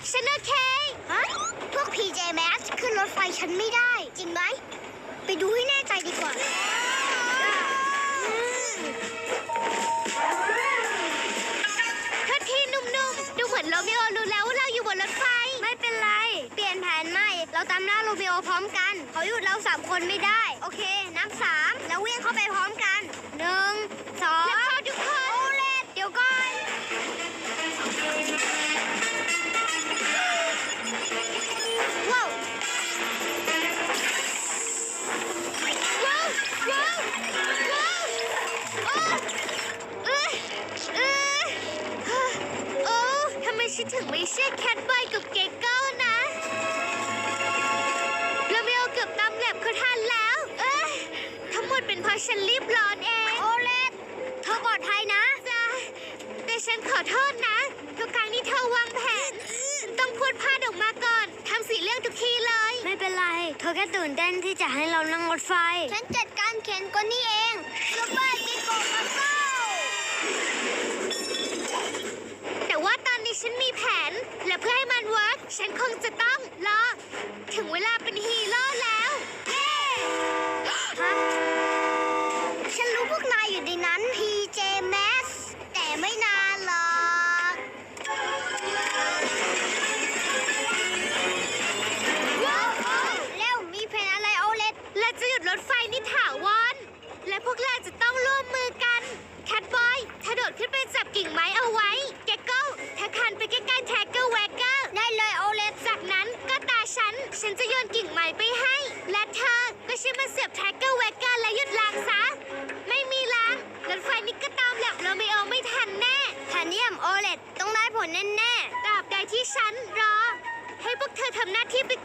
ฉันโอเคฮะพวก PJ Masks ขึ้นรถไฟฉันไม่ได้จริงไหมไปดูให้แน่ใจดีกว่าทีหนุ่มๆดูเหมือนโรมิโอรู้แล้วว่าเราอยู่บนรถไฟไม่เป็นไรเปลี่ยนแผนใหม่เราตามหน้าโรมิโอพร้อมกันเขาหยุดเรา3 คนไม่ได้โอเคนับ3แล้ววิ่งเข้าไปพร้อมกัน1 2แล้วพอทุกคนโอเลตเดี๋ยวก่อนว้าวว้าวว้าวว้าวโอ้ทำไมฉันถึงไม่เชื่อแคทบอยกับเกเกิลนะโรมิโอเกือบตามแลบเขาทันแล้วทั้งหมดเป็นเพราะฉันรีบร้อนเองโอเลตเธอปลอดภัยนะจ้ะแต่ฉันขอโทษนะทุกครั้งที่เธอวางแผนฉันต้องพูดพลาดออกมาก่อนทำ4 เรื่องทุกทีเลยไม่เป็นไรเธอแค่ตื่นเต้นที่จะให้เรานั่งรถไฟฉันจัดการเข็นก็นี่เองซุปเปอร์กิโกมาโก้แต่ว่าตอนนี้ฉันมีแผนและเพื่อให้มันเวิร์กฉันคงจะต้องรอถึงเวลาเป็นฮีโร่แล้วเย้ฮะฉันรู้พวกนายอยู่ในนั้น PJ Masks แต่ไม่นานหรอกว้าวเร็วมีแผนอะไรโอเลตเราจะหยุดรถไฟนิถาวรและพวกเราจะต้องร่วมมือกันแคทบอยเธอโดดขึ้นไปจับกิ่งไม้เอาไว้เกเกิลเธอคานไปใกล้ๆแท็กเกอร์แวกเกอร์ได้เลยโอเลตจากนั้นก็ตาฉันจะโยนกิ่งไม้ไปให้และเธอก็ช่วยมาเสียบแท็กเกอร์แวกเกอร์และหยุดล้างซะไม่มีล้างรถไฟนี้ก็ตามแลบโรมิโอไม่ทันแน่แทนเนียมโอเลตต้องได้ผลแน่ๆตราบใดที่ฉันรอให้พวกเธอทำหน้าที่ไป